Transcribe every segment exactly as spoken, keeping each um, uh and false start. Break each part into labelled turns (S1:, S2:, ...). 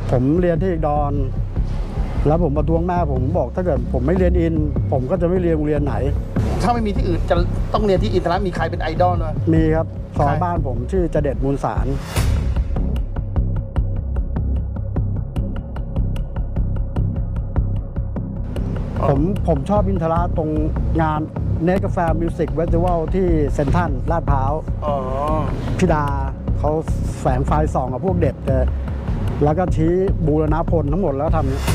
S1: ผมเรียนที่ดอนแล้วผมประท้วงแม่ผมบอกถ้าเกิดผมไม่เรียนอินผมก็จะไม่เรียนโรงเรียนไหน
S2: ถ้าไม่มีที่อื่นจะต้องเรียนที่อินทรมีใครเป็นไอดอลไหม
S1: มีครับซอยบ้านผมชื่อเจเด็ดมูลสารผมผมชอบอินทราตรงงานเนสกาแฟมิวสิกเวสติวัลที่เซนทรัลลาดพร้าวพี่ดาเขาแฝงไฟส่องกับพวกเด็กแล้วก็ชี้บูรณพลทั้งหมดแล้วทำนี้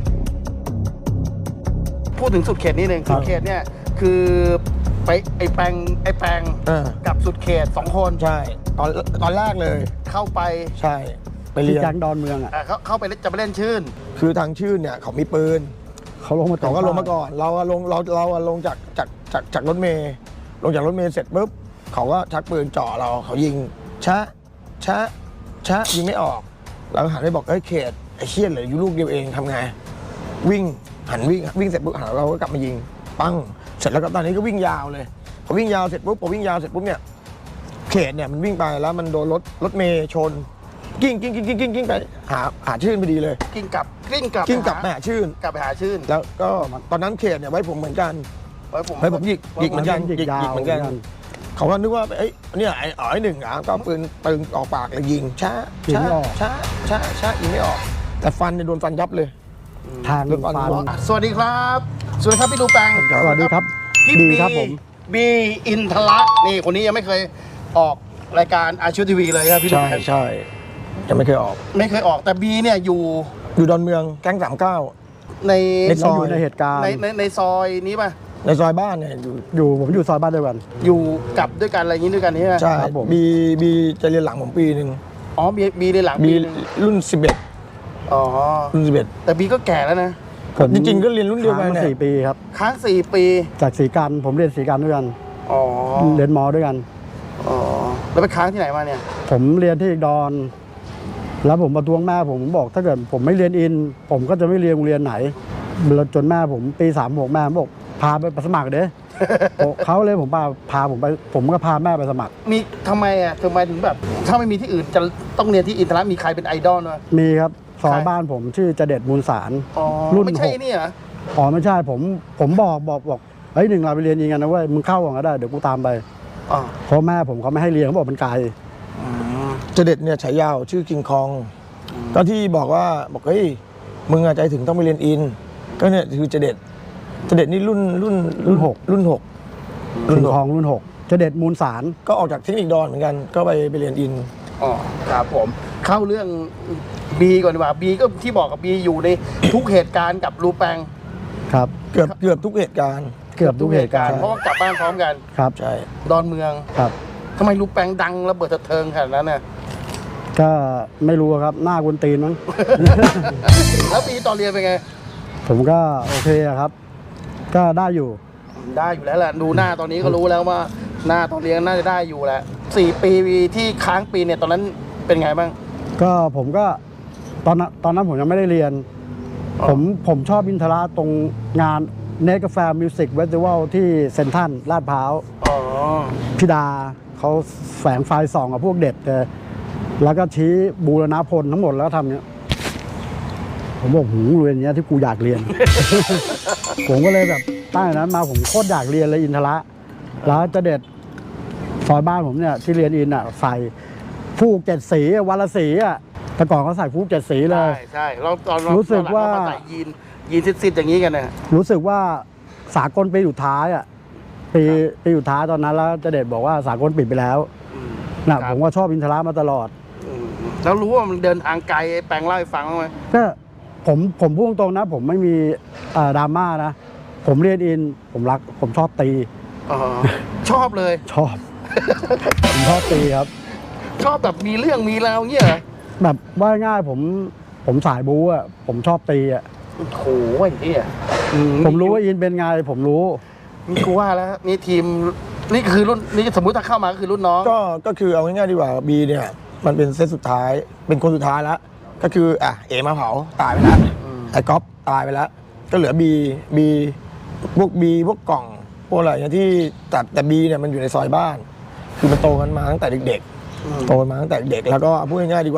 S2: พูดถึงสุดเขตนิดนึงสุดเขตเนี่ยคือไปไอแปงไอแปงกับสุดเขตสองคน
S3: ใช่ตอนตอนแรกเลย
S2: เข้าไป
S3: ใช่ไปเรียน
S1: แก๊งดอนเมืองอ่ะ
S2: เขาเข้าไปจะไปเล่นชื่น
S3: คือทางชื่นเนี่ยเขามีปืน
S1: เขาลงมา
S3: เขาก็ลงมาก่อนเราลงเราเราลงจากจากจากจากรถเมย์ลงจากรถเมย์เสร็จปุ๊บเขาก็ชักปืนจ่อเราเขายิงชะชะชะยิงไม่ออกเราหันไปบอกเอ้ยเขตไอ้เชี่ยเหลืออยู่ลูกเดียวเองทำไงวิ่งหันวิ่งวิ่งเสร็จปุ๊บหันเราก็กลับมายิงปั้งเสร็จแล้วก็ตอนนี้ก็วิ่งยาวเลยพอวิ่งยาวเสร็จปุ๊บพอวิ่งยาวเสร็จปุ๊บเนี่ยเขตเนี่ยมันวิ่งไปแล้วมันโดนรถรถเมย์ชนกิ้งกิ้งกิ้งกิ้งกิ้งกิ้งไปหาหาชื่นพอดีเลย
S2: กิ้งกลับกิ้งกลับ
S3: กิ้งกลับไปหาชื่น
S2: กลับไปหาชื่น
S3: แล้วก็ตอนนั้นเขตเนี่ยไว้ผมเหมือนกัน
S2: ไว้ผม
S3: ไว้ผมหยิกหยิกเหมือนกัน
S1: หยิกเห
S3: มือนกันเขาก็นึกว่าไอ้เนี่ยไอ้อ๋อยหนึ่งอ่ะก็ปืนปืนออกปากเลยยิงช้าช้าช้าช้าช้ายิงไม่ออกแต่ฟันเนี่ยโดนฟันยับเลย
S1: ทางฟัน
S2: สวัสดีครับสวัสดีครับพี่ดูแปง
S1: สวัสดีครับ
S2: พี่บีครับผมบีอินทระนี่คนนี้ยังไม่เคยออกรายการอาชีพทีวีเลยครับพี่ดู
S3: แปงใช่ใช่ยังไม่เคยออก
S2: ไม่เคยออกแต่บีเนี่ยอยู่
S3: อยู่ดอนเมืองแก๊งสามเก้า
S2: ใน
S1: ในซอยในเหตุการณ์
S2: ในในในซอยนี้ป่ะ
S3: ในซอยบ้านเนี่ยอยู่
S1: อยู่ผมอยู่ซอยบ้านด้วยกัน
S2: อยู่กับด้วยกันอะไรอย่างนี้ด้วยกันนี่
S3: ใช่บีบีจะเรียนหลังผมปีหนึ่ง
S2: อ๋อบีบีเรียนหลัง
S3: บีรุ่นสิบเอ็ด
S2: อ๋อ
S3: รุ่นสิบเอ็ด
S2: แต่บีก็แก่แล้วนะ
S3: จริงๆก็เรียนรุ่นเดียวกัน
S1: เนี่ยสี่ปีครับ
S2: ค้างสี่ปี
S1: จากศรีกันผมเรียนศรีกันด้วยกัน
S2: อ๋อ
S1: เรียนมอด้วยกัน
S2: อ๋อแล้วไปค้างที่ไหนมาเนี่ย
S1: ผมเรียนที่ดอนแล้วผมประท้วงแม่ผมบอกถ้าเกิดผมไม่เรียนอินผมก็จะไม่เรียนโรงเรียนไหนจนแม่ผมปีสามหกแม่บอกพาไปสมัครเด้เขาเลยผมพาพาผมไปผมก็พาแม่ไปสมัคร
S2: มีทำไมอ่ะทำไมถึงแบบถ้าไม่มีที่อื่นจะต้องเรียนที่อินทรมีใครเป็นไอดอลไหม
S1: มีครับซอยบ้านผมชื่อเจเด็ดมูลสาร
S2: รุ่นไม่ใช่นี่เหรอ
S1: อ๋อไม่ใช่ผมผมบอกบอกบอกเฮ้ยหนึ่งเราไปเรียนยิงกันนะเว้ยมึงเข้าก่อนก็ได้เดี๋ยวกูตามไปเพราะแม่ผมเขาไม่ให้เรียนเขาบอกมันไกล
S3: เจเด็ดเนี่ยฉายาวชื่อคิงคองก็ที่บอกว่าบอกเฮ้ยมึงใจถึงต้องไปเรียนอินก็เนี่ยคือเจเด็ดเจเด็ดนี่รุ่นรุ่น
S1: รุ่นหก
S3: รุ่นหก
S1: รุ่นทองรุ่นหกเจเด็ดมูลสาร
S3: ก็ออกจากเทคนิคดอนเหมือนกันก็ไปไปเรียนอิน
S2: อ๋อครับผมเข้าเรื่องบีก่อนดีกว่าบีก็ที่บอกกับบีอยู่ในทุกเหตุการณ์กับรูแปง
S1: ครับ
S3: เกือบเกือบทุกเหตุการณ์
S1: เกือบทุกเหตุการณ์
S2: เพราะว่ากลับบ้านพร้อมกัน
S1: ครับ
S3: ใช่
S2: ดอนเมือง
S1: ครับ
S2: ทำไมรูแปงดังระเบิดเทิงขนาดนั้นน่ะ
S1: ก็ไม่รู้ครับหน้ากุนตีนมั้ง
S2: แล้วปีตอนเรียนเป็นไง
S1: ผมก็โอเคครับก็ได้อยู่
S2: ได้อยู่แล้วแหละดูหน้าตอนนี้ก็รู้แล้วว่าหน้าตอนเรียนน่าจะได้อยู่แหละสี่ปีที่ค้างปีเนี่ยตอนนั้นเป็นไงบ้าง
S1: ก็ผมก็ตอนนั้นตอนนั้นผมยังไม่ได้เรียนผมผมชอบอินทราตรงงานเนสกาแฟมิวสิกเวสติวัลที่เซนทรัลลาดพร้าวพี่ดาเขาแฝงไฟส่องกับพวกเด็กแล้วก็ชี้บูรณพลทั้งหมดแล้วทำเนี้ยผมบอกหูเรียนเนี้ยที่กูอยากเรียน ผมก็เลยแบบตั้งแต่นั้นมาผมโคตรอยากเรียนเลยอินทระแล้วจะเด็ดซอยบ้านผมเนี่ยที่เรียนอินอ่ะใส่ฟูกเจ็ดสีวันละสีอ่ะแต่ก่อนเขาใส่ฟูกเจ็ดสีเลย
S2: ใช่ใช่เราตอน
S1: รู้สึกว่า
S2: ใส่ยีนยีนซิดๆอย่างนี้กันนะ
S1: รู้สึกว่าสากลปีสุดท้ายอ่ะปีปีสุดท้ายตอนนั้นแล้วจะเด็ดบอกว่าสากลปิดไปแล้วนะผมก็ชอบอินทระมาตลอด
S2: แล้วรู้ว่ามันเดินทางไกลแปลงเล่าให้ฟังไหม
S1: ก็ผมผมพูดตรงนะผมไม่มีดราม่านะผมเรียนอินผมรักผมชอบตี
S2: ชอบเลย
S1: ชอบผมชอบตีครับ
S2: ชอบแบบมีเรื่องมีราวเงี้ย
S1: แบบว่าง่ายผมผมสายบู๊อ่ะผมชอบตีอ่ะ
S2: โอ้โหไอ้เนี่ย
S1: ผมรู้ว่าอินเป็นไงผมรู้
S2: มีกูว่าแล้วนี่ทีมนี่คือรุ่นนี่สมมุติถ้าเข้ามาก็คือรุ่นน้อง
S3: ก็ก็คือเอาง่ายๆดีกว่าบีเนี่ยมันเป็นเซตสุดท้ายเป็นคนสุดท้ายแล้วก็คืออ่ะเอมาเผาตายไปแล้วไอ้ก๊อฟตายไปแล้วก็เหลือบีบีพวกบีพวกกล่องพวกอะไรเนี่ยที่แต่แต่บีเนี่ยมันอยู่ในซอยบ้านคือมันโตกันมาตั้งแต่เด็กๆโตมาตั้งแต่เด็กแล้วก็พูดง่ายๆดีกว่า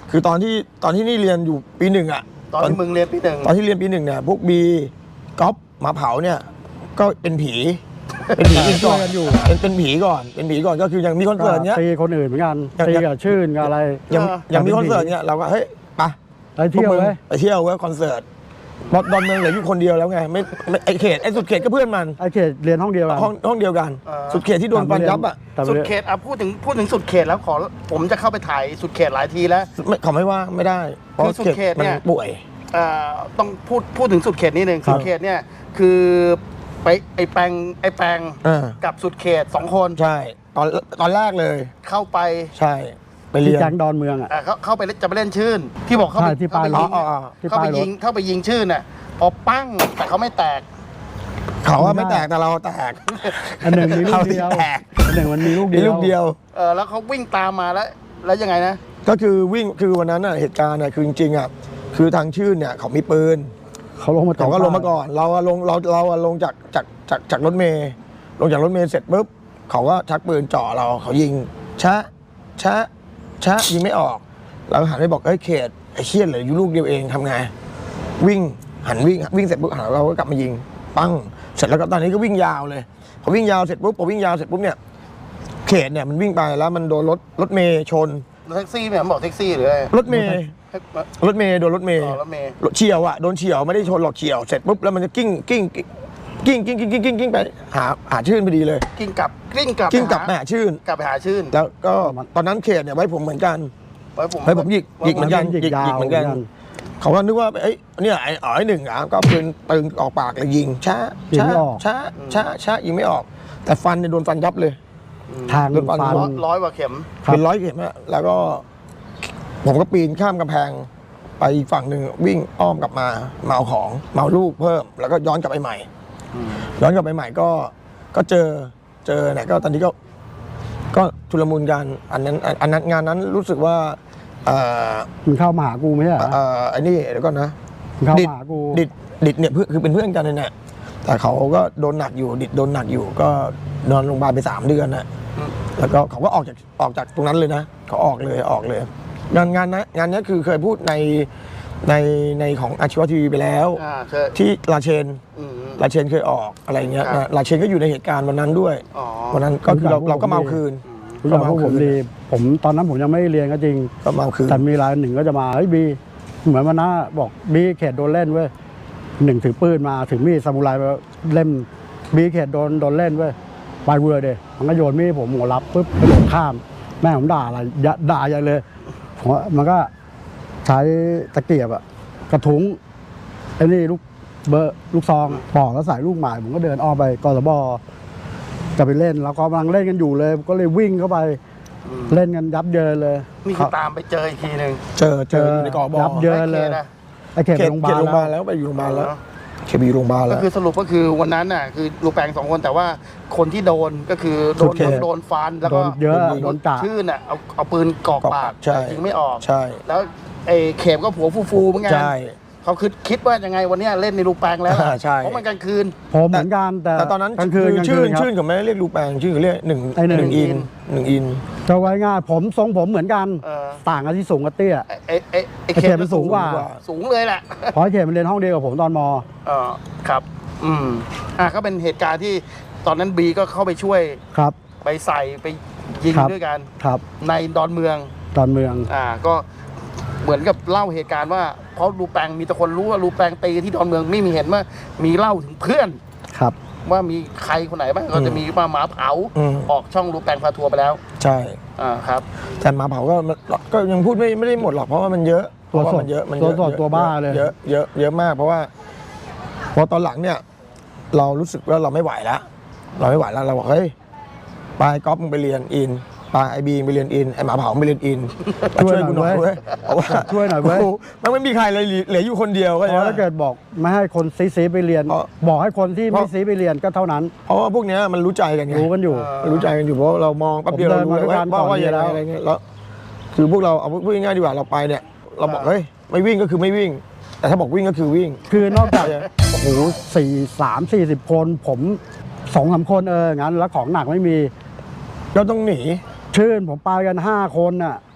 S3: คือตอนที่ตอนที่นี่เรียนอยู่ปีหนึ่งอ่ะ
S2: ตอนที่มึงเรียนปีหนึ่ง
S3: ตอนที่เรียนปีหนึ่งเนี่ยพวกบีก๊อฟหมาเผาเนี่ยก็เป็นผี เป็นผีกันก่อน
S1: กันอยู่
S3: เป็นเป็นผีก่อนเป็นผีก่อนก็คือยังมีคอนเสิร์ตเนี้ย
S1: ตีคนอื่นเหมือนกัน
S3: อย่าง
S1: ตีกับชื่นกับอะไร
S3: ยัง
S2: เออ
S3: ยังมีคอนเสิร์ตเนี่ยเราก็เฮ้ยไป
S1: ไปเที่ยว
S3: พกมึง
S1: เว้ย
S3: ไปเที่ยวเว้ยคอนเสิร์ตบอสดอนเมืองเหลืออยู่คนเดียวแล้วไงไม่ไม่ไอเขตไอสุดเขตก็เพื่อนมัน
S1: ไอ้เขตเรียนห้องเดียวกัน
S3: ห้องห้องเดียวกัน
S2: เออ
S3: สุดเขตที่โดนฟันยับอ่ะ
S1: แต่
S2: สุด
S1: เรียน
S2: เขตอ่ะพูดถึงพูดถึงสุดเขตแล้วขอผมจะเข้าไปถ่ายสุดเขตหลายทีแล้ว
S3: ไม่เขาไม่ว่าไม่ได้เพราะ
S2: คือสุดเขต
S3: มั
S2: เนี่ย
S3: ป่วย
S2: เอ่อต้องพูดพูดถึงสุดเขตนิดนึง
S1: ครับ
S2: สุดเขตเนี่ยคือไปไอแปงไอแปง
S3: เออ
S2: กับสุดเขตสองคน
S3: ใช่ตอนตอนแรกเลย
S2: เข้าไป
S3: ใช่ไป
S1: ที่
S3: เรียน
S1: แก๊งดอนเมืองอ่ะ
S2: อ่ะเขาเข้าไปจะไปเล่นชื่น ที่บอกเข้าไป
S1: ใช่ที่ปลาย
S2: เข้าไปยิง
S3: อ๋ออ๋อ
S1: ที่
S2: เข้า
S1: ป
S2: ไป
S1: ลายร
S2: ยิ
S1: ถ
S2: งเข้าไปยิงชื่นน่ะพอปั้งแต่เขาไม่แตก
S3: เขาว่าไม่แตกแต่เราแตก
S1: อันหนึ่งมีลูกเดียว
S3: เขาที่แตก
S1: อันหนึ่งมันมีลูกเดี
S3: มี
S1: ยว
S3: ลูกเดียว
S2: เออแล้วเขาวิ่งตามมาแล้ว แล้วยังไงนะ
S3: ก็คือวิ่งคือวันนั้นน่ะเหตุการณ์น่ะคือจริงๆอ่ะคือทางชื่นเนี่ยเขามีปืน
S1: เขาลงมา
S3: เขาก็ลงมาก่อน เราอะลงเราเราอะลงจากจากจากจากรถเมย์ลงจากรถเมย์เสร็จปุ๊บเขาก็ชักปืนจ่อเราเขายิงชะชะชะยิงไม่ออก เราหันไปบอกเอ้ยเขตไอ้เชี่ยเหลืออยู่ลูกเดียวเองทำไงวิ่งหันวิ่งวิ่งเสร็จปุ๊บหันเราก็กลับมายิงปั้งเสร็จแล้วก็ตอนนี้ก็วิ่งยาวเลยพอวิ่งยาวเสร็จปุ๊บพอวิ่งยาวเสร็จปุ๊บเนี่ยเขตเนี่ยมันวิ่งไปแล้วมันโดนรถรถเมย์ชน
S2: แท็กซี่เนี่ยมันบอกแท็กซี่หรืออะไร
S3: รถเมย์รถเมย์โดนรถเมย์
S2: อ๋อรถเมย์
S3: รถเฉียวอ่ะโดนเฉียวไม่ได้ชนหรอกเฉียวเสร็จปุ๊บแล้วมันจะกิ้งกิ้งกิ้งกิ้งกิ้งกิ้งกิ้งกิ้งไปหาหาชื่นพอดีเลย
S2: กิ้งกลับกิ้งกลับ
S3: กิ้งกลับไป
S2: ไปหา
S3: หาชื่น
S2: กลับไปหาชื่น
S3: แล้วก็ตอนนั้นเขตเนี่ยไว้ผมเหมือนกัน
S2: ไว้ผม
S3: ไว้ผมหยิกหยิกเหมือนกัน
S1: หยิกยาว
S3: หยิกเหมือนกัน เขาก็นึกว่าเอ้ยเนี่ยไอ้อ๋อไอ้หนึ่งอ่ะก็ปืนปืนออกปากเลยยิงช้า
S1: ยิง
S3: ช้า
S1: ไม่ออก
S3: ช้าช้าช้ายิงไม่ออก แต่ฟันเนี่ยโดนฟันยับเลย
S1: ทาง
S3: โดนฟัน
S1: ฟัน
S2: ร้อยร้อยกว่าเข็ม
S1: ครับ
S3: เป็นร้อยเข็มอะแล้วก็ ผมก็ปีนข้ามกำแพง ไปอีกฝั่งหนึ่งวิ่งอ้อมกลับมามาเอาของมาเอาลูกเพิ่ม แล้วก็ย้อนกลับไปใหม่ ย้อนกลับไปใหม่ก็ก็เจอเจอเนี่ยก็ตอนนี้ก็ ก็ชุลมุนกันอันนั้นอันอันนั้นงานนั้นรู้สึกว่าเอ่อ
S1: มึงเข้ามาหากูไม่ใช่เหรอ
S3: เอ่อไอ้นี่เดี๋ยวก่อนนะ
S1: มึงเข้า
S3: ดิด
S1: มาหากู
S3: ดิดดิดเนี่ยเพื่อนคือเป็นเพื่อนกันเลยเนี่ยแต่เขาก็โดนหนักอยู่ดิดโดนหนักอยู่ ก็นอนโรงพยาบาลไปสามเดือนนะ
S2: อืม
S3: แล้วก็เขาก็ออกจากออกจากตรงนั้นเลยนะเขาออกเลยออกเลย งานงานนะงานนี้คือเคยพูดในในในของอาชีวะทีวีไปแล้ว
S2: อ่าเคย
S3: ที่ลาเชน
S2: อืม
S3: ลาเชนเคยออกอะไรเงี้ย
S2: ครับ
S3: นะลาเชนก็อยู่ในเหตุการณ์วันนั้นด้วย
S2: อ๋อ
S3: วันนั้นก็คือเราเราก็เมาคืน
S1: รู้จักพวกผมดี ผมตอนนั้นผมยังไม่ได้เรียนก็จริง
S3: ก็เมาคืน
S1: แต่มีรายหนึ่งก็จะมาเฮ้ยบีเหมือนวันนั้นบอกบีเขตโดนเล่นเว้ยหนึ่งถือปืนมาถือมีดซามูไรมาเล่มบีเขตโดนโดนเล่นเว้ยไปเวอร์เดยมันก็โยนมีดผมหัวรับปุ๊บกระโดดข้าม แม่ผมด่าอะไรยะด่าใหญ่เลยผมว่ามันก็ใช้ตะเกียบอะกระทุ้งไอ้นี่ลูกเบอร์ลูกซองปอกแล้วใส่ลูกหมายผมก็เดินอ้อมไปกสบจะไปเล่นแล้วก็กำลังเล่นกันอยู่เลย ก็เลยวิ่งเข้าไป
S2: อืม
S1: เล่นกันยับเยินเลย
S2: นี่คือตามไปเจออีกทีหนึ่ง
S3: เจอเจออยู่ในกอบอ
S1: ยับเยินเลย
S2: ไอ้คนะ
S1: ไอ้เขต
S3: เข
S1: ไป
S3: ต
S1: โรงพ
S3: เขตโรงพยาบาล
S1: ยาบาลแล้ว
S3: แล้วไปอยู่โรงพยาบาลแล้วเขตไปอยู่โรงพยาบาล
S2: ก็
S3: แล้ว
S2: คือสรุปก็คือวันนั้นน่ะคือลูกแปงสองคนแต่ว่าคนที่โดนก็คือโด
S3: สุ
S2: น
S3: ดเขต
S2: โดนฟันแล้ว
S1: โด
S2: ก็
S1: นเยอะ
S3: โดนยิง
S1: โดนกะ
S2: ชื่อน่ะเอาเอาปืนกรอก
S3: กรอก
S2: ปา
S3: ปาก กใช่
S2: ยิงไม่ออก
S3: ใช่
S2: แล้วไอ้เข็มก็ผัวฟูๆเหมือนกัน
S3: ใช่
S2: เขาคิดคิดว่ายังไงวันเนี้ยเล่นในลูกแปงแล้วล่ะ
S3: อ่าใช่
S2: เพราะมันกลางคืน
S1: ผมเหมือนกันแต่
S3: แต่ตอนนั้น
S1: กลางคืน
S3: คื
S1: กลาง
S3: ชื่
S1: คื
S3: น
S1: นครับ
S3: ชื่นเขาไม่ได้เรียกลูกแปงชื่อเขาเรียกหนึ่ง
S1: ไอ้หนึ่ง
S3: หนึ่งอินหนึ่งอิน
S1: จะไว้ง่ายผมทรงผมเหมือนกัน
S2: เออ
S1: ต่างกันที่สูงกับเตี้ย
S2: ไอ้ไอ้ไอ้ไอ้
S1: ไอ้เข็มมันสูงกว่า
S2: สูงเลยแหละ
S1: เพราะไอ้เขตมันเรียนห้องเดียวกับผมตอนม
S2: เออครับ อืมอ่ะก็เป็นเหตุการณ์ที่ตอนนั้นบีก็เข้าไปช่วย
S1: ครับ
S2: ไปใส่ไปยิง
S1: ครับ
S2: ด้วยกัน
S1: ครับ
S2: ในดอนเมือง
S1: ตอนเมือง
S2: อ่าก็เหมือนกับเล่าเหตุการณ์ว่าเพราะรูแปงมีแต่คนรู้ว่ารูแปงตีที่ดอนเมืองไม่มีเห็นว่ามีเล่าถึงเพื่อน
S1: ครับ
S2: ว่ามีใครคนไหนบ้างก็จะมีมาหมาเผา
S3: อืม
S2: ออกช่องรูแปงพาทัวร์ไปแล้ว
S3: ใช่
S2: อ่าครับ
S3: แต่หมาเผาก็มันก็ยังพูดไม่ไม่ได้หมดหรอกเพราะว่ามันเยอะเพ
S1: ตัว
S3: ราะว่า
S1: สด
S3: มันเยอะมัน
S1: ตัว
S3: เยอะ
S1: สดตัวบ้าเลย
S3: เยอะเยอะเยอะมาก เพราะว่าพอตอนหลังเนี่ย เรารู้สึกว่าเราไม่ไหวแล้วเราไม่ไหวแล้วเราบอกเฮ้ยไปก๊อฟมึงไปเรียนอินไปไอบีมึงไปเรียนอินไอหมาเผามึงไปเรียนอินมาช่วยกูหน่อยเว้ยเพราะว่า
S1: ช่วยหน่อยเว้ย
S3: โโมันไม่มีใครเลยเหลืออยู่คนเดียวก็
S1: เพราะถ้าเกิดบอกไม่ให้คนซีซีไปเรียน
S3: เพราะ
S1: บอกให้คนที่
S3: เพ
S1: ไม่
S3: ราะ
S1: ซีไปเรียนก็เท่านั้น
S3: เพราะว่าพวกเนี้ยมันรู้ใจกันไง
S1: รู้กันอยู่
S2: เออ
S3: มันรู้ใจกันอยู่เพราะเรามองแป๊บเดียว
S1: ผม
S3: เรา
S1: เดิน
S3: รู้
S1: มา
S3: เลย
S1: ด้วย
S3: ว่า
S1: กัน
S3: ว่า
S1: ก่อน
S3: ว่าอย่างไร
S1: แล้ว
S3: อะไรเงี้ยแล้วคือพวกเราเอาพูดง่ายๆดีกว่าเราไปเนี่ย เราบอกเฮ้ยไม่วิ่งก็คือไม่วิ่ง แต่ถ้าบอกวิ่งก็คือวิ่ง
S1: คือนอกจากโอ้โหสี่สามสี่สิบคน ผมสองสามคนเอองั้นแล้วของหนักไม่มี
S3: เราต้องหนี
S1: ชื่นผมไปกันห้าคนน่ะ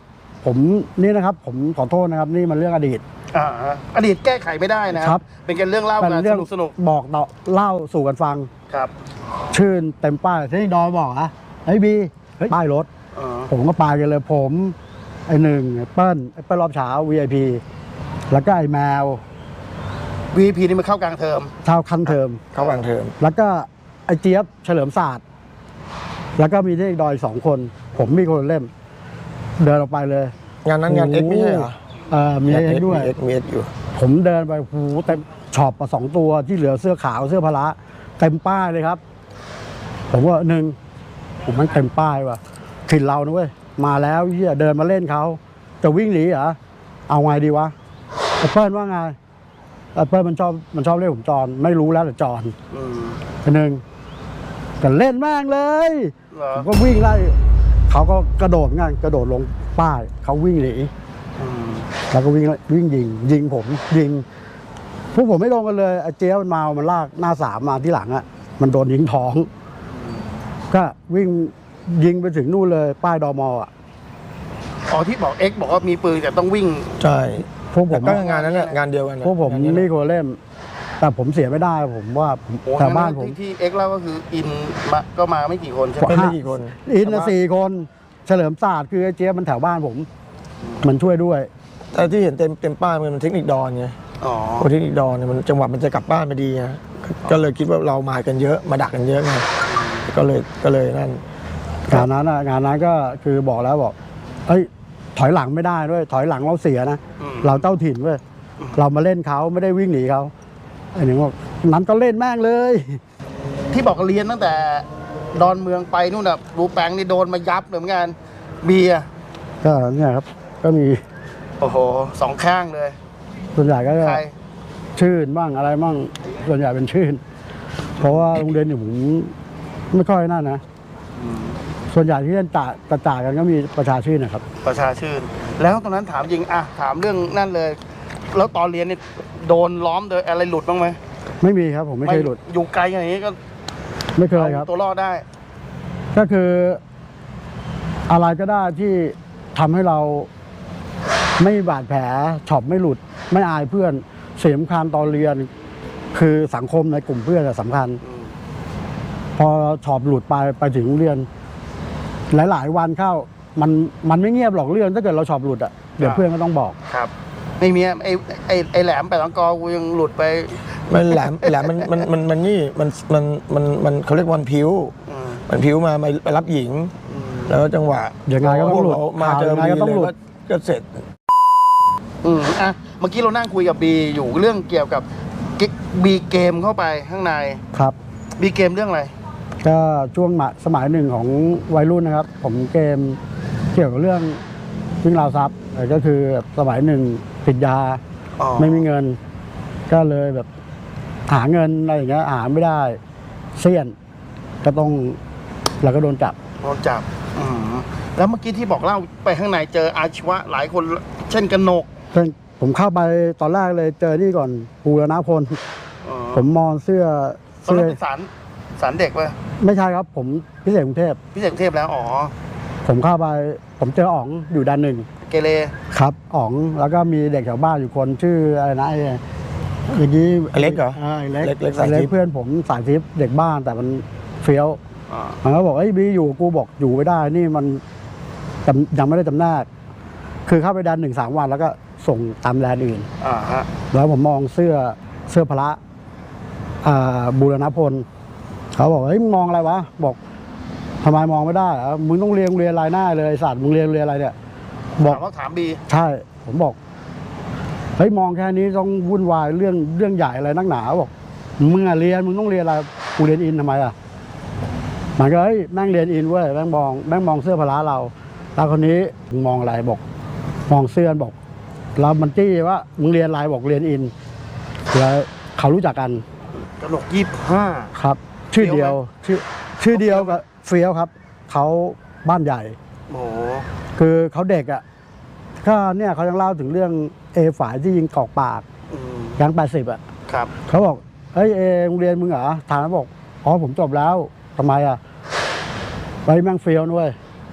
S1: ผมนี่นะครับ ผมขอโทษนะครับ นี่มันเรื่องอดีต
S2: อ่าฮะอดีตแก้ไขไม่ได้นะครับ เป็นการเรื่องเล่า
S1: เป็น
S2: กัน
S1: เรื่อง
S2: สนุกสนุก
S1: บอกต่อเล่าสู่กันฟัง
S2: ๆครับ
S1: ชื่นเต็มป้ายที่ดอยบอกอะไอ้บีเฮ้ยป้ายรถ
S2: อ่า
S1: ผมก็ไปกันเลยผม ไอ้หนึ่งไอ้เปิ้ลไอ้เปิ้ลรอบเช้า วี ไอ พี แล้วก็ไอ้แมว
S2: วี พี นี่มันเข้ากลางเทอม
S1: ชาวคันเทอม
S3: เข้ากลางเทอม
S1: แล้วก็ไอ้เจี๊ยบเฉลิมศาสตร์ แล้วก็มีที่ดอยสองคน ผมมีคนละเล่ม เดินออกไปเลย
S3: งานนั้นงานเอ็กไม่ใช่เหรอ
S1: เออมีเอ็กด้วย
S3: เอ็กมีเอ็กอยู่
S1: ผมเดินไปหูเต็มช็อปมาสองตัวที่เหลือเสื้อขาวเสื้อพละเต็มป้ายเลยครับ ผมว่าหนึ่งผมมันเต็มป้ายว่ะถิ่นเรานะเว้ยมาแล้วเฮียเดินมาเล่นเขาจะวิ่งหนีเหรอเอาไงดีวะไอ้เปิ้ลว่าไงไอ้เปิ้ลมันชอบมันชอบเรียกผมจอนไม่รู้แล้วแต่จอน
S2: อืม
S1: ไอ้หนึ่งก็เล่นแม่งเลย
S2: เหรอ
S1: ผมก็วิ่งไล่เขาก็กระโดดงานกระโดดลงป้ายเขาวิ่งหนี
S2: อืม
S1: แล้วก็วิ่งวิ่งยิงยิงผมยิงพวกผมไม่ลงกันเลยไอ้เจ๊ยบมันมามันลากหน้าสามมาที่หลังอ่ะมันโดนยิงท้อง ก็วิ่งยิงไปถึงนู่นเลยป้ายดมอ่ะ
S2: อ๋อที่บอกเอ็กบอกว่ามีปืนแต่ต้องวิ่ง
S3: ใช่
S1: พวกผ
S3: แต่
S1: ม
S3: ก็งานนั้นแหละงานเดียวกันน่ะ
S1: พวกผม
S3: งานเดียวกัน
S1: นี่โคเล่ม แต่ผมเสียไม่ได้ผมว่าผม
S2: โอ้
S1: แถวบ้านผม
S2: ที่ที่เอ็กเล่าก็คืออินมาก็มาไม่กี่คนใช่ไหม
S3: เป็นไม่กี่คน
S1: อินนะสี่คนเฉลิมศาสตร์คือไอ้เจ๊ยบมันแถวบ้านผม มันช่วยด้วย
S3: แต่ที่เห็นเต็มเต็มป้ายมันเทคนิคดอนไง
S2: อ๋อ
S3: โอ้เทคนิคดอนเนี่ยมันจังหวะมันจะกลับบ้านไปดีไงก็เลยคิดว่าเรามากันเยอะมาดักกันเยอะไงก็เลยก็เลยนั่น
S1: งานนั้นอะงานนั้นก็คือบอกแล้วบอกเอ้ยถอยหลังไม่ได้ด้วยถอยหลังเราเสียนะ
S2: อืม
S1: เราเจ้าถิ่นเว้ยเรามาเล่นเขาไม่ได้วิ่งหนีเขาไอ้หนึ่งบอกนั้นก็เล่นแม่งเลย
S2: ที่บอกเรียนตั้งแต่ดอนเมืองไปนู่นน่ะรูแปงนี่โดนมายับเลยเหมือนกันเบียร์
S1: ก็เนี่ยครับ ก็มี
S2: โอ้โหสองข้างเลย
S1: ส่วนใหญ่ก็จะ
S2: ใคร
S1: ชื่นบ้างอะไรบ้างส่วนใหญ่เป็นชื่น เพราะว่าโรงเรียนอยู่ผมไม่ค่อยนั่นนะส่วนใหญ่ที่เล่นจ่าจะจ่ากันก็มีประชาชื่นนะครับ
S2: ประชาชื่น แล้วตอนนั้นถามจริงอะถามเรื่องนั่นเลย แล้วตอนเรียนนี่โดนล้อมโดยอะไรหลุดบ้างไหม
S1: ไม่มีครับผมไม่เคยหลุด
S2: อยู่ไกลอย่างนี้ก็
S1: ไม่เคยครับ
S2: เอาตัวรอดได้
S1: ก็คืออะไรก็ได้ที่ทำให้เราไม่มีบาดแผลช็อปไม่หลุด ไม่อายเพื่อนเสียสำคัญตอนเรียน คือสังคมในกลุ่มเพื่อนอะสำคัญ พอช็อปหลุดไปไปถึงโรงเรียน หลาย ๆ วันเข้า มันมันไม่เงียบหรอกเรื่องถ้าเกิดเราช็อปหลุดอะเดี๋ยวเพื่อนก็ต้องบอก
S2: ครับ ไม่มีไอ้ไอ้ไอ้แหลมแปดลังกอกูยังหลุดไป
S3: มันแหลมแหลมมันมันมันมันนี่มันมันมันมันเขาเรียกวันผิว
S2: อืม
S3: มันผิวมามาไปรับหญิง
S2: อืม
S3: แล้วจังหวะ
S1: ยังไงก็ต้องหลุด
S3: พวเามาเจอ
S1: ข่าวยังไง
S3: บี
S1: ก็ต้องหลุด
S3: เลยก็เสร็จ
S2: อืมอ่ะเมื่อกี้เรานั่งคุยกับบีอยู่เรื่องเกี่ยวกับบีเกมเข้าไปข้างใน
S1: ครับ
S2: บีเกมเรื่องอะไร
S1: ก็ช่วงสมัยหนึ่งของวัยรุ่นนะครับ ผมเกมเกี่ยวกับเรื่องวิ่งราวทรัพย์แต่ก็คือสมัยหนึ่งติดยา
S2: อ๋อ
S1: ไม่มีเงิน ก็เลยแบบหาเงินอะไรอย่างเงี้ยหาไม่ได้เสี้ยน ก็ต้องเราก็โดนจับ
S2: โดนจับอืมแล้วเมื่อกี้ที่บอกเล่าไปข้างในเจออาชีวะหลายคน เช่นกนก
S1: เพิ่งผมเข้าไปตอนแรกเลยเจอนี่ก่อนภูรณพล
S2: อ๋อ
S1: ผมมองเสื้อ
S2: ตอน
S1: เสื้
S2: นั้
S1: อน
S2: เป็นสารสารเด็กป่ะ
S1: ไม่ใช่ครับ ผมพิเศษกรุงเทพ
S2: พิเศษกรุงเทพแล้วอ๋อ
S1: ผมเข้าไป ผมเจออ๋องอยู่ด้านหนึ่ง
S2: เกเร
S1: ครับอ๋องแล้วก็มีเด็กแถวบ้านอยู่คนชื่ออะไรนะไอ้อย่างนี้
S3: ไอ้เล็กเหรอ
S1: าไอ้เล็ก
S3: เล็กเล็กสายทิพย์
S1: ไอ้เล็กเพื่อนผมสายทิพย์เด็กบ้านแต่มันเฟี้ยว
S2: อ่า
S1: มันก็บอกไอ้ยบีอยู่กูบอกอยู่ไม่ได้ นี่มันจำยังไม่ได้จำแนกคือเข้าไปดันหนึ่งสามวันแล้วก็ส่งตามแลนด์อื่น
S2: อ่าฮะ
S1: แล้วผมมองเสื้อเสื้อพละอ่าบูรณพลเขาบอกเฮ้ยมึงมองอะไรวะบอกทำไมมองไม่ได้เหรอมึงต้องเรียนโรงเรียนรายหน้าเลยไอ้สัตว์มึงเรียนโรงเรียนอะไรเนี่ยบอก
S2: ถามว่าถามบี
S1: ใช่ ผมบอกเฮ้ยมองแค่นี้ต้องวุ่นวายเรื่องเรื่องใหญ่อะไรนักหนาบอกมึงอะเรียนมึงต้องเรียนอะไรกูเรียนอินทำไมอ่ะมันก็เฮ้ยแม่งเรียนอินเว้ยแม่งมองแม่งมองเสื้อพละเราแล้วคนนี้มึงมองอะไรบอก มองเสื้อบอกเรามันจี้ว่ามึงเรียนอะไรบอกเรียนอินแล้วเขารู้จักกัน
S2: กนกยี่ห้า
S1: ครับ ชื่อเดียว
S2: เฟี้ยวไหม
S1: ชื่อชื่อเดียวกับเฟี้ยวครับเขาบ้านใหญ่
S2: โอ้โห
S1: คือเขาเด็กอ่ะก็เนี่ยเขายังเล่าถึงเรื่องเอฝ่ายที่ยิงกอกปาก
S2: อืม
S1: ยังแปดสิบอ่ะ
S2: ครับ
S1: เขาบอกเฮ้ยเอโรงเรียนมึงเหรอถามบอกอ๋อผมจบแล้วทำไมอ่ะไปแม่งเฟี้ยวด้วย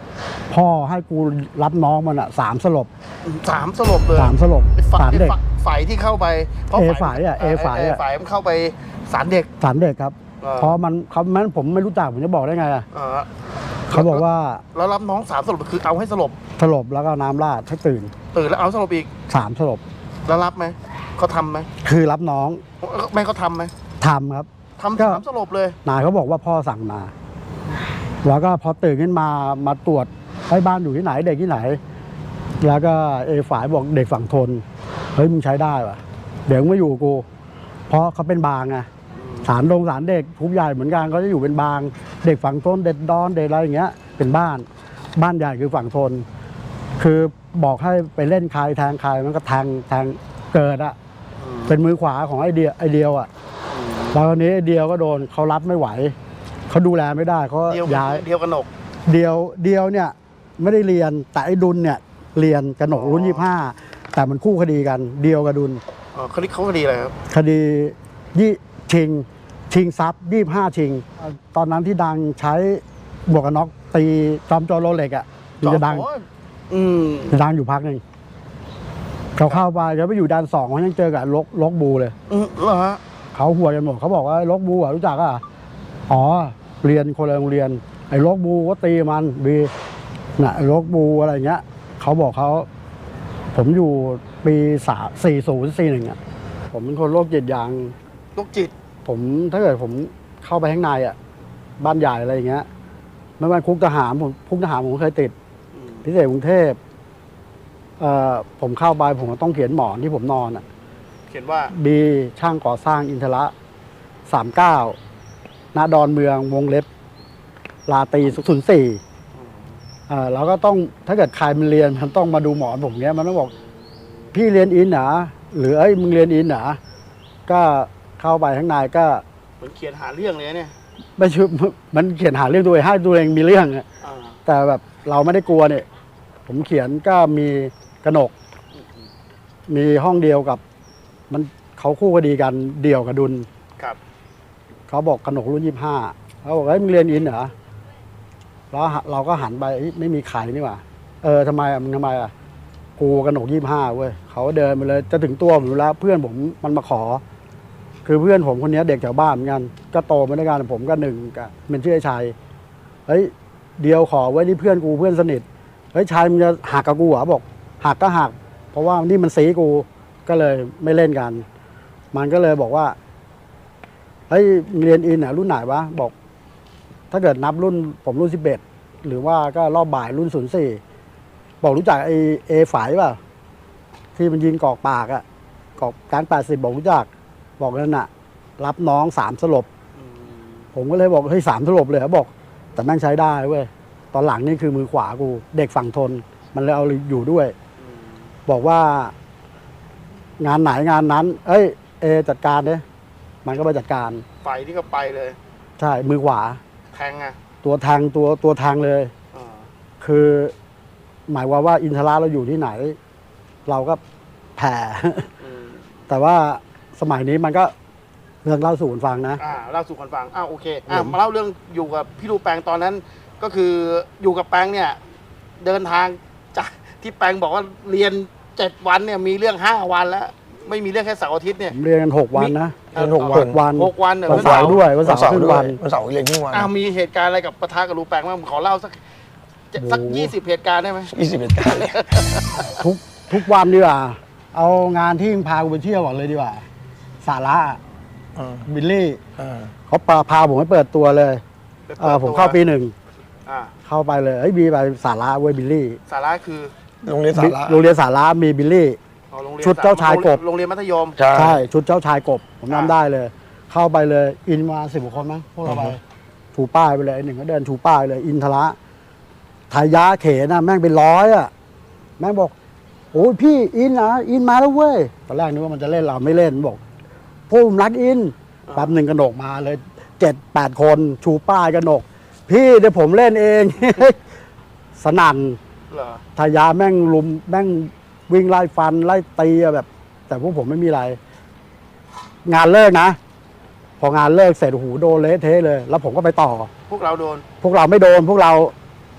S1: พ่อให้กูรับน้องมันอ่ะสามสลบ
S2: สามสลบเลย
S1: สามสลบ
S2: ไอ้ฝ่าย
S1: สารเด็ก
S2: ฝ่ายที่เข้าไปเพราะ
S1: เอฝ่ายอะเอฝ่ายอะ
S2: ฝ่ายมันเข้าไปสารเด็ก
S1: สารเด็กครับ
S2: เออ
S1: เพราะมันเขาแม้นผมไม่รู้จักผมจะบอกได้ไงอ่ะ
S2: เออ
S1: เขาบอกว่า
S2: แล้วรับน้องสามสลบคือเอาให้สลบ
S1: สลบแล้วก็น้ำราดให้ตื่น
S2: ตื่นแล้วเอาสลบอีก
S1: สามสลบ
S2: แล้วรับไหมเขาทำไหม
S1: คือรับน้อง
S2: ไม่เขาทำไหม
S1: ทำครับ
S2: ทำ
S1: ก็
S2: สามสลบเลย
S1: นายเขาบอกว่าพ่อสั่งมา แล้วก็พอตื่นขึ้นมามาตรวจให้บ้านอยู่ที่ไหนเด็กที่ไหน แล้วก็เอฝ่ายบอกเด็กฝั่งทนเฮ้ยมึงใช้ได้ป่ะเดี๋ยวมึงไม่อยู่กู เพราะเขาเป็นบางไงสารลงสารเด็กทุกใหญ่เหมือนกันเขาจะอยู่เป็นบาง เด็กฝั่งทนเด็กดอนเด็กอะไรอย่างเงี้ย เป็นบ้านบ้านใหญ่คือฝั่งทน คือบอกให้ไปเล่นใครแทงใครมันก็แทงแทงเกิดอะเป็นมือขวาของไอเดียไอเดียวอะแล้วคราวนี้ไอเดียวก็โดนเขารับไม่ไหวเขาดูแลไม่ได้เขา
S2: เดียว
S1: ย้าย
S2: เดียวกันหนก
S1: เดียวเดียวเนี่ยไม่ได้เรียนแต่ไอ้ดุลเนี่ยเรียนกระหนกรุ่นยี่ห้าแต่มันคู่คดีกันเดียวกับดุล
S2: อ๋อคดีเขาคดีอะไรครับ
S1: คดียี่ชิงชิงทรัพย์ยี่ห้าชิง ตอนนั้นที่ดังใช้บวกกันน็อกตีจอมโจรโรเล็กอ่ะมันจะดัง
S2: โอ้ยอืม
S1: จะดังอยู่พักหนึ่งเขาเข้าไปเขาไปอยู่ด้านสองเขายังเจอกับลกลกบูเลย
S2: อืมเหรอฮะ
S1: เขาหัวกันหมดเขาบอกว่าลกบูอ่ะรู้จักอ่ะอ๋อเรียนคนละโรงเรียนไอ้ลกบูก็ตีมันบีน่ะไอ้ลกบูอะไรเงี้ยเขาบอกเขาผมอยู่ปีสามสี่ศูนย์สี่หนึ่งอ่ะผมเป็นคนโรคจิตอย่าง
S2: โรคจิต
S1: ผมถ้าเกิดผมเข้าไปข้างในอ่ะบ้านใหญ่อะไรอย่างเงี้ยไม่ว่าคุกทหารผมคุกทหารผมเคยติด
S2: อืม
S1: พิเศษกรุงเทพเอ่อผมเข้าไปผมก็ต้องเขียนหมอนที่ผมนอนอ่ะ
S2: เขียนว่า
S1: บีช่างก่อสร้างอินทระสามเก้าณดอนเมืองวงเล็บ ลาตรีศูนย์สี่เอ่อเราก็ต้องถ้าเกิดใครมันเรียนมันต้องมาดูหมอนผมเนี้ยมันต้องบอก พี่เรียนอินเหรอหรือเอ้ยมึงเรียนอินเหรอก็เข้าไปข้างในก็
S2: เหมือนเขียนหาเรื่องเลยเนี่ย
S1: ไม่ใช่มันเขียนหาเรื่องตัวเองให้ตัวเองมีเรื่องอะ
S2: อ่า
S1: แต่แบบเราไม่ได้กลัวเนี่ย ผมเขียนก็มีกระหนก มีห้องเดียวกับ มันเขาคู่คดีกันเดี่ยวกับดุล
S2: ครับ
S1: เขาบอกกระหนกรุ่นยี่ห้าเขาบอกเฮ้ยมึงเรียนอินเหรอแล้วเราก็หันไปเอ้ยไม่มีใครนี่หว่าเออทำไมอ่ะมึงทำไมอ่ะกูกระหนกยี่ห้าเว้ยเขาเดินมาเลยจะถึงตัวผมอยู่แล้วเพื่อนผมมันมาขอ คือเพื่อนผมคนนี้เด็กแถวบ้านเหมือนกันก็โตมาด้วยกันผมก็หนึ่งกับเป็นชื่อไอ้ชัยเฮ้ยเดียวขอไว้นี่เพื่อนกูเพื่อนสนิทเฮ้ยชัยมึงจะหักกับกูเหรอบอกหักก็หัก เพราะว่านี่มันสีกูก็เลยไม่เล่นกัน มันก็เลยบอกว่าเฮ้ยเรียนอินอ่ะรุ่นไหนวะบอก ถ้าเกิดนับรุ่นผมรุ่นสิบเอ็ดหรือว่าก็รอบบ่ายรุ่นศูนย์สี่บอกรู้จักไอเอฝ่ายป่ะที่มันยิงกอกปากอ่ะกอกการแปดสิบบอกรู้จักบอกนั่นน่ะ รับน้องสามสลบ
S2: อืม
S1: ผมก็เลยบอกเฮ้ยสามสลบเลยเขาบอก แต่แม่งใช้ได้เว้ยตอนหลังนี่คือมือขวากู เด็กฝั่งทน มันเลยเอาอยู่ด้วย
S2: อืม
S1: บอกว่า งานไหนงานนั้น เอ้ย เอจัดการเนี่ยมันก็ไปจัดการ
S2: ไฟที่ก็ไปเลย
S1: ใช่มือขวา
S2: แทงอ่ะ
S1: ตัวแทงตัวตัวแทงเลย
S2: อ่า
S1: คือ หมายความว่าอินทราเราอยู่ที่ไหน เราก็แผ่
S2: อืม
S1: แต่ว่าสมัยนี้มันก็เรื่องเล่าสู่กันฟังนะ
S2: อ่าเล่าสู่กันฟังอ้าวโอเคอ่า
S1: ผม
S2: มาเล่าเรื่องอยู่กับพี่รูแปงตอนนั้น ก็คืออยู่กับแปงเนี่ย เดินทางจากที่แปงบอกว่าเรียนเจ็ดวันเนี่ยมีเรื่องห้าวันแล้ว ไม่มีเรื่องแค่เสาร์อาทิตย์เนี่ย
S1: ผมเรียนกันหกวันนะ
S3: เรียนหกวัน
S1: หกวัน
S2: หกวันเนี่ย
S1: วันเสาร์ด้วยวันเสาร์ครึ่ง
S3: ด้ว
S1: วั
S3: ย
S1: น
S3: วันเสาร์เรียนครึ่งวัน
S2: อ้าวมีเหตุการณ์อะไรกับปะทะกับรูแปงบ้างขอเล่าสักสัก
S1: โอ้โห
S2: ยี่สิบเหตุการณ์ได้ไหม
S3: ยี่สิบเอ็ดการเนี่ย
S1: ทุกทุกวันดีกว่า เอางานที่พากูไปเที่ยวก่อนเลยดีกว่า สาระ
S3: อ่า
S1: บิลลี่
S3: อ่า
S1: เขาพาพาผมไปเปิดตัวเลยเออผมเข้าปีหนึ่ง
S2: อ่า
S1: เข้าไปเลยเอ้ยบีไปสาระเว้ยบิลลี่
S2: สาระคือ
S3: โรงเรียนสาระ
S1: โรงเรียนสาระมีบิลลี่
S2: อ๋อโรงเรียน
S1: ชุดเจ้าชายกบ
S2: โรงเรียนมัธยม
S3: ใช่
S1: ใช่ชุดเจ้าชายกบ ผม
S2: อ่า
S1: จำได้เลย เข้าไปเลย อินมาสิบกว่าคนมั้งพวกเราไป
S3: อือฮึ
S1: ชูป้ายไปเลยไอ้หนึ่งก็เดินชูป้ายเลย อินทระทายาเขนะแม่งเป็นร้อยอ่ะ แม่งบอกโอ้ยพี่อินนะอินมาแล้วเว้ยตอนแรกนึกว่ามันจะเล่นเราไม่เล่นบอกพวกผมรักอินแป๊บหนึ่งกระหนกมาเลยเจ็ดแปดคนชูป้ายกระหนก พี่เดี๋ยวผมเล่นเอง สนั่น
S2: เหรอ
S1: ทายาแม่งลุมแม่งวิ่งไล่ฟันไล่ตีอะแบบ แต่พวกผมไม่มีอะไร งานเลิกนะ พองานเลิกเสร็จโอ้โหโดนเละเทะเลย แล้วผมก็ไปต่อ
S2: พวกเราโดน
S1: พวกเราไม่โดน พวกเรา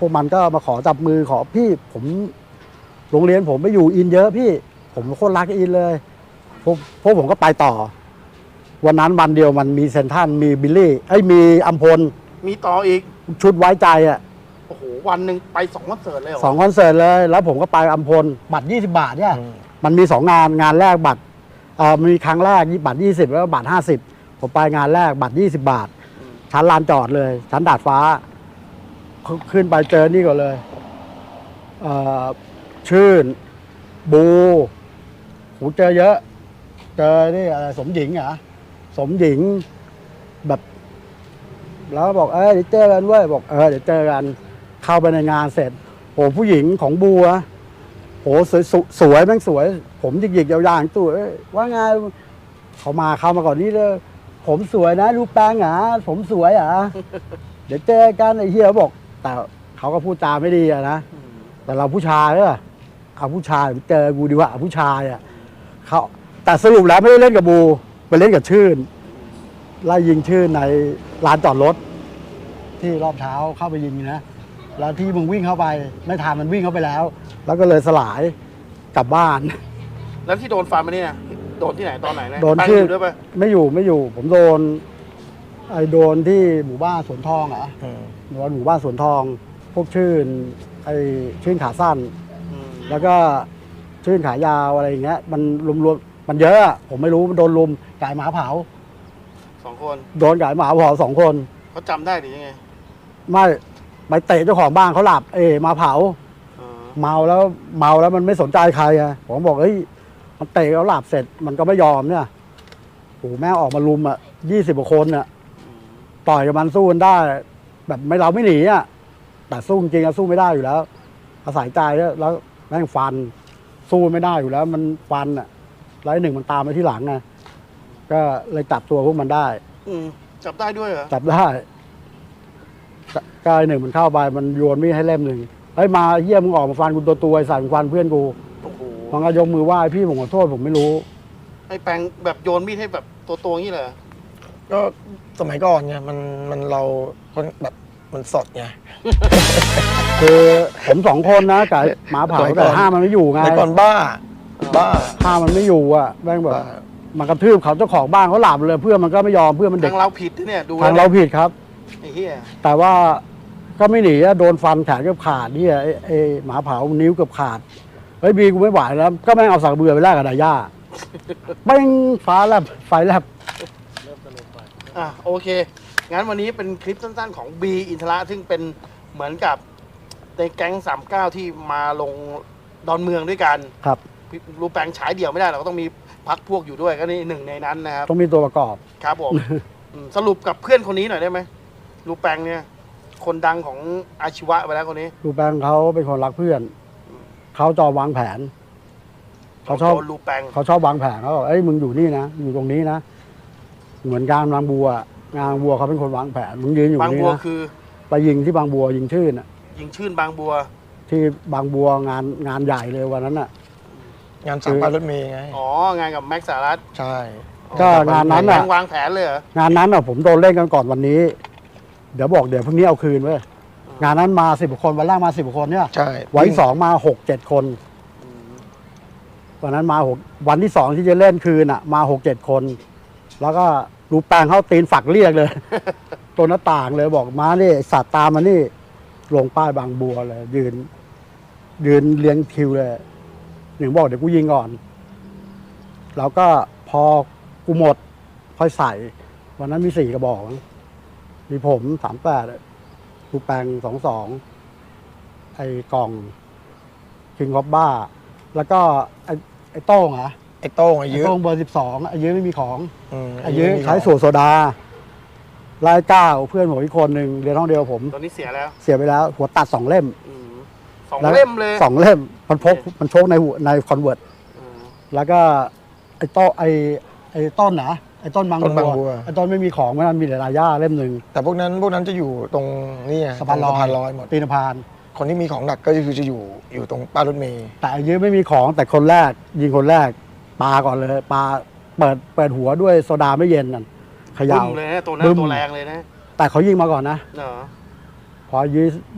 S1: พวกมันก็มาขอจับมือขอพี่ผมโรงเรียนผมไปอยู่อินเยอะพี่ ผมโคตรรักอินเลยพวกพวกผมก็ไปต่อ วันนั้นวันเดียวมันมีเซนทรันมีบิลลี่ไอ้ยมีอัมพล
S2: มีต่ออีก
S1: ชุดไว้ใจอ่ะ
S2: โอ้โห วันหนึ่งไปสองคอนเสิร์ตเลยเหรอ
S1: สองคอนเสิร์ตเลย แล้วผมก็ไปอัมพลบัตรยี่สิบบาทเนี่ย
S3: อืม
S1: มันมีสองงานงานแรกบัตรเอ่อมีครั้งแรกบัตรยี่สิบแล้วก็บัตรห้าสิบผมไปงานแรกบัตรยี่สิบบาท ชั้นลานจอดเลย ชั้นดาดฟ้า ขึ้นไปเจอนี่ก่อนเลยเอ่อชื่น บูหูเจอเยอะ เจอนี่อะไรสมหญิงเหรอสมหญิงแบบ แล้วบอกเออเดี๋ยวเจอกันเว้ยบอกเออเดี๋ยวเจอกันเข้าไปในงานเสร็จโหผู้หญิงของบัวโหสวยสวยสวยแม่งสวย ผมหยิกๆยาวๆตัวเอ้ยว่าไงเขามาเข้ามาก่อนนี่เลยผมสวยนะรูปแป้งเหรอผมสวยเหรอ เดี๋ยวเจอกันไอ้เฮียบอก แต่เขาก็พูดจาไม่ดีอะนะ
S2: อืม
S1: แต่เราผู้ชายเนี่ยเอาผู้ชายเจอกูดีกว่าเอาผู้ชายอ่ะเขาแต่สรุปแล้วไม่ได้เล่นกับบูไปเล่นกับชื่นไล่ยิงชื่นในลานจอดรถ ที่รอบเช้าเข้าไปยิงนะแล้วที่มึงวิ่งเข้าไป ไม่ทันมันวิ่งเข้าไปแล้ว แล้วก็เลยสลายกลับบ้าน
S2: แล้วที่โดนฟันมาเนี่ยโดนที่ไหนตอนไหนนะ
S1: โดน
S2: แป้ง
S1: ที่
S2: อยู่ด้วยปะ
S1: ไม่อยู่ไม่อยู่ ผมโดนไอ้โดนที่หมู่บ้านสวนทองเหรอ
S3: อืม
S1: โดนหมู่บ้านสวนทอง พวกชื่นไอ้ชื่นขาสั้น
S2: อืม
S1: แล้วก็ชื่นขายาวอะไรอย่างเงี้ย มันรวมๆมันเยอะอะผมไม่รู้มันโดนลุมกายหมาเผา
S2: สองคน
S1: โดนกายหมาเผาสองคน
S2: เขาจำได้หรือยังไง
S1: ไม่ไปเตะเจ้าของบ้านเขาหลับ เอมาเผา
S2: อ๋อ
S1: เมาแล้วเมาแล้วมันไม่สนใจใครอะผมบอกเฮ้ยมันเตะเขาหลับเสร็จมันก็ไม่ยอมเนี่ยโอ้โหแม่งออกมาลุมอ่ะยี่สิบกว่าคนอ่ะ
S2: อืม
S1: ต่อยกับมันสู้กันได้ แบบไม่เราไม่หนีอ่ะแต่สู้จริงๆอะสู้ไม่ได้อยู่แล้ว อาศัยใจแล้วแล้วแม่งฟัน สู้ไม่ได้อยู่แล้ว มันฟันอ่ะแล้วไอ้หนึ่งมันตามมาที่หลังไงก็เลยจับตัวพวกมันได้
S2: อืมจับได้ด้วยเหรอ
S1: จับได้กายหนึ่งมันเข้าไปมันโยนมีดให้เล่มหนึ่งเฮ้ยมาเยี่ยมมึงออกมาฟันกูตัวตัวๆไอ้สายมึงฟันเพื่อนกู
S2: โอ้โห
S1: มันก็ยกมือไหว้พี่ผมขอโทษผมไม่รู้
S2: ไอ้แปงแบบโยนมีดให้แบบตัวตัวๆอย่างนี้เลยเหรอ
S3: ก็สมัยก่อนไงมันมันเราคนแบบมันสดไง
S1: คือผมสองคนนะกับหมาเผา
S3: สมัยก่
S1: แต่
S3: อน
S1: ห้ามมันไม่อยู่ไง
S3: สมัยก่อนบ้า บ้า
S1: ห้ามมันไม่อยู่อ่ะแม่งแบบ
S3: บ้า
S1: มันกระทืบเขาเจ้าของบ้านเขาหลับเลยเพื่อนมันก็ไม่ยอมเพื่อนมันเด็
S2: ทาก งเราผิดนะเนี่ยดู
S1: ทางเราผิดครับ
S2: ไอ้เหี้ย
S1: แต่ว่าก็ไม่หนีอะโดนฟันแขนเกือบขาดเนี่ยไอ้ไอ้หมาเผานิ้วเกือบขาดเฮ้ยบีกูไม่ไหวแล้ว ก็แม่งเอาสักเบื่อไปแลกกับดาย่าแม่งฟ้าแลบไฟแลบ
S2: อ่ะโอเค งั้นวันนี้เป็นคลิปสั้นๆของบีอินทระซึ่งเป็นเหมือนกับในแก๊งสามเก้าที่มาลงดอนเมืองด้วยกัน
S1: ครับ
S2: รูปแปลงฉายเดี่ยวไม่ได้เราก็ต้องมีพักพวกอยู่ด้วยก็นี่หนึ่งในนั้นนะครับ
S1: ต้องมีตัวประกอบ
S2: ครับผม อืมสรุปกับเพื่อนคนนี้หน่อยได้ไหมรูปแปลงเนี่ย คนดังของอาชีวะไปแล้วคนนี้
S1: ดูแปงเขาเป็นคนรักเพื่อนเขาจอวางแผนเขาชอบ
S2: โดนรูปแปลง
S1: เขาชอบวางแผนเขาบอกเอ้ยมึงอยู่นี่นะอยู่ตรงนี้นะเหมือนการบางบัวงานบางบัวเขาเป็นคนวางแผนมึงยืนอยู่ต
S2: บาง
S1: รงนี้
S2: บัว
S1: นะ
S2: คือ
S1: ไปยิงที่บางบัวยิงชื่นอ่ะ
S2: ยิงชื่นบางบัว
S1: ที่บางบัวงานงานใหญ่เลยวันนั้นอ่ะ
S3: งานสามพันรถเมย์ไง
S2: อ๋องานกับแม็กซ์สารัต
S3: ใช่
S1: ก็งานนั้น
S2: แปล
S1: อ่ะ
S2: งวางแผนเลยเหรอง
S1: านนั้นอ่ะผมโดนเล่นกันก่อนวันนี้ เดี๋ยวบอกเดี๋ยวพรุ่งนี้เอาคืนเว้ยงานนั้นมาสิบคนวันแรกมาสิบคนเนี่ย
S3: ใช่
S1: วันที่สองมาหกเจ็ดคน
S2: อืม
S1: วันนั้นมาหกวันที่สองที่จะเล่นคืนอ่ะ มาหกเจ็ดคน แล้วก็รูปแปลงเขาตีนฝักเรียกเลย ตัวหน้าต่างเลยบอกมานี่สัตว์ตามมานี่ลงป้ายบางบัวเลย ยืน ยืนเรียงคิวเลยหนึ่งบอกเดี๋ยวกูยิงก่อน แล้วก็พอกูหมด ค่อยใส่ วันนั้นมีสี่กระบอกมั้งมีผมสามแปดรูปแปลงสองสองไอ้กล่องคิงคอปบ้า แล้วก็ไอ้ไอ้โต้งเหรอ
S3: ไอ้โต้งไอ้
S1: ไอ้
S3: ยื้อ
S1: โต้งเบอร์สิบสองไอ้ยื้อไม่มีของ
S3: ม
S1: ไอ้ยื้อ
S3: ไม่มี
S1: ใช้สูตรโซดาลายเก้าเพื่อนผมอีกคนหนึ่งเรียนห้องเดียวผม
S2: ตอนนี้เสียแล้ว
S1: เสียไปแล้ว หัวตัดสองเล่ม
S2: อืมสอง
S1: แล้ว
S2: เล่มเลย
S1: สองเล่ม มันพกมันโชกในหัวในคอนเวิร์ต
S2: อืม
S1: แล้วก็ไอ้โต้ไอ้ไอ้ต้นนะไอ้ต้นบาง
S3: ต้นบาง
S1: บั
S3: บั
S1: ว
S3: ว
S1: ไอ้ต้นไม่มีของมันมีแต่ลายย่าเล่มหนึ่ง
S3: แต่พวกนั้นพวกนั้นจะอยู่ตรงนี่ไง
S1: สะพานลอย
S3: ตรงสะพานลอยหมด
S1: ตีนพาน
S3: คนที่มีของหนักก็คือจะอยู่อยู่ตรงป้ายรถเมย์
S1: แต่ไอ้ยื้อไม่มีของแต่คนแรก ยิงคนแรกปาก่อนเลยปาเปิดเปิดหัวด้วยโซดาไม่เย็นนั่นเข
S2: บึ้
S1: ย่า
S2: มเลยนะตัวนั้น
S1: บึ้ม
S2: ตัวแรงเลยนะ
S1: แต่เขายิงมาก่อนนะ
S2: เนอะ
S1: พอยื้อ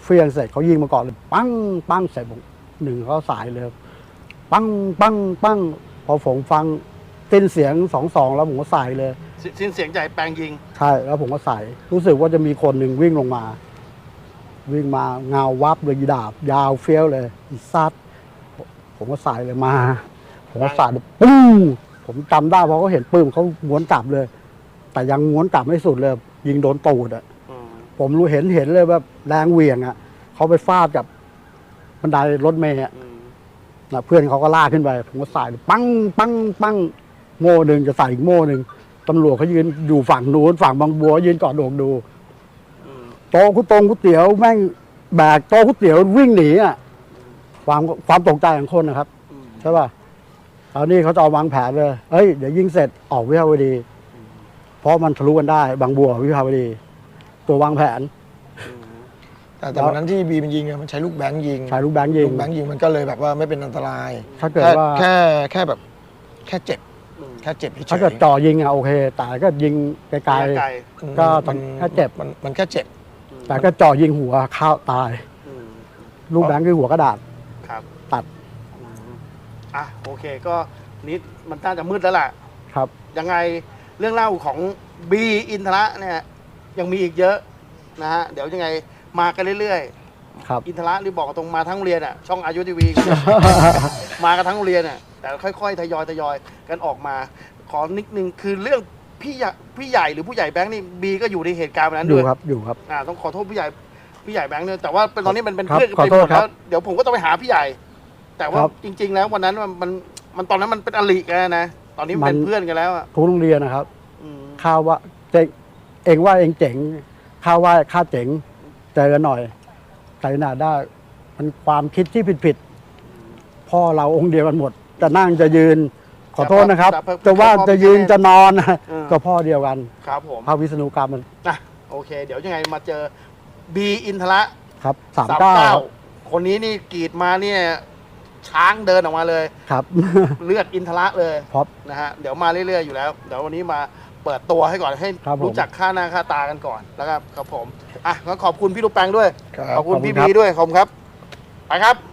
S1: เฟียงเสร็จเขายิงมาก่อนเลยปั้งปั้งเสร็จผมหนึ่งเขาสายเลยปั้งปั้งปั้งพอผมฟังสิ้นเสียงสองสองแล้วผมก็ใส่เลย
S2: สิสิ้นเสียงใหญ่แปลงยิง
S1: ใช่แล้วผมก็ใส่รู้สึกว่าจะมีคนหนึ่งวิ่งลงมา วิ่งมาเงาวับเลยยีดาบ ยาวเฟี้ยวเลยอีซัดผมก็ใส่เลยมา ผมก็ใส่เลยปุ้งผมจำได้เพราะเขาเห็นปืนเขาม้วนกลับเลย แต่ยังม้วนกลับไม่สุดเลย ยิงโดนตูดอ่ะ
S2: อืม
S1: ผมรู้เห็นเห็นเลยว่าแรงเหวี่ยงอ่ะเขาไปฟาดกับบันไดรถเมล์อะ
S2: อืม
S1: นะเพื่อนเขาก็ลากขึ้นไป ผมก็ใส่เลยปังปังปังโม่หนึ่งจะใส่อีกโม่หนึ่งตำรวจเขายืนอยู่ฝั่งนู้นฝั่งบางบัวยืนกอดโดกดู
S2: อืม
S1: โต๊ะก๋วยตงก๋วยเตี๋ยวแม่งแบกโต๊ะก๋วยเตี๋ยววิ่งหนีอ่ะความความตกใจของคนนะครับ
S2: อืม
S1: ใช่ป่ะตอนนี้เขาจะเอาวางแผนเลยเอ้ยเดี๋ยวยิงเสร็จออกวิภาวดี เพราะมันทะลุกันได้ บางบัววิภาวดี ตัววางแผน
S2: อืม
S3: แต่แต่วันนั้นที่บีมันยิงอะมันใช้ลูกแบงค์ยิง
S1: ใช้ลูกแบงค์ยิง
S3: ลูกแบงค์ยิงมันก็เลยแบบว่าไม่เป็นอันตราย
S1: ถ้าเกิด
S3: แค่
S1: ว่า
S3: แค่แค่แบบแค่เจ็บ
S2: อืม
S3: แค่เจ็บเฉย
S1: ถ้าเกิดจ่อยิงอ่ะโอเค แต่ก็ยิงไกล
S2: ไกล
S3: อืม
S1: ก็
S3: มัน
S1: แค่เจ็บ
S3: มันมันแค่เจ็บ
S1: ๆแต่ก็จ่อยิงหัวเข้าตาย
S2: อืม
S1: ลูกแบงค์คือหัวกระดาษ
S2: ครับ
S1: ตัด
S2: อืมอ่ะโอเคก็นิดมันน่าจะมืดแล้วล่ะ
S1: ครับ
S2: ยังไงเรื่องเล่าของบีอินทระเนี่ยยังมีอีกเยอะนะฮะเดี๋ยวยังไงมากันเรื่อย
S1: ครับ
S2: ๆ อินทระนี่บอกตรงมาทั้งโรงเรียนอ่ะช่องอายุทีวี มากันทั้งโรงเรียนอ่ะแต่ค่อยๆทยอยทยอยกันออกมา ขอนิดนึงคือเรื่องพี่ใหญ่พี่ใหญ่หรือผู้ใหญ่แบงค์นี่บีก็อยู่ในเหตุการณ์วันนั้น
S1: อยู่
S2: ด้วย
S1: ครับอยู่ครับ
S2: อ่าต้องขอโทษพี่ใหญ่พี่ใหญ่แบงค์เนี่ยแต่ว่าเป็นตอนนี้มันเป็น
S1: ครับ
S2: เพื่อนกัน
S1: ขอ
S2: ไป
S1: โท
S2: หม
S1: ษ
S2: ด
S1: ครั
S2: แล้
S1: บ
S2: วเดี๋ยวผมก็ต้องไปหาพี่ใหญ่ แต่ว่า
S1: ครับ
S2: จริง ๆ แล้ววันนั้นมันมันมันตอนนั้นมันเป็นอลิกันนะตอนนี้มันเป็น
S1: มัน
S2: เพื่อนกันแล้วอ่ะ
S1: ทุกโรงเรียนนะครับ
S2: อืม
S1: ข้าวว่าเจ๊งเองว่าเองเจ๋งข้าวว่าข้าเจ๋งเจอกันหน่อยใจหนาได้ มันความคิดที่ผิดๆพ่อเราองค์เดียวกันหมด จะนั่งจะยืน ขอโทษนะครับ
S2: แต่พอ
S1: จะว่าจะยืนจะนอนนะ
S2: เออ
S1: ก็พ่อเดียวกัน
S2: ครับผม
S1: พระวิษณุกรรมมัน
S2: นะโอเค เดี๋ยวยังไงมาเจอบีอินทระ
S1: ครับสามเก้า
S2: คนนี้นี่กรีดมาเนี่ยช้างเดินออกมาเลย
S1: ครับ
S2: เลือดอินทระเลย
S1: พร็อพ
S2: นะฮะเดี๋ยวมาเรื่อยๆอยู่แล้ว เดี๋ยววันนี้มาเปิดตัวให้ก่อนให้
S1: ครับผม
S2: รู้จักค่าหน้าค่าตากันก่อนแล้วครับครับผมอ่ะงั้นขอบคุณพี่ลูกแปงด้วย
S3: ครับ
S2: ขอบคุณ
S1: ขอบคุณ
S2: พี่
S1: ครับ
S2: บีด้วยขอบคุณครับไปครับ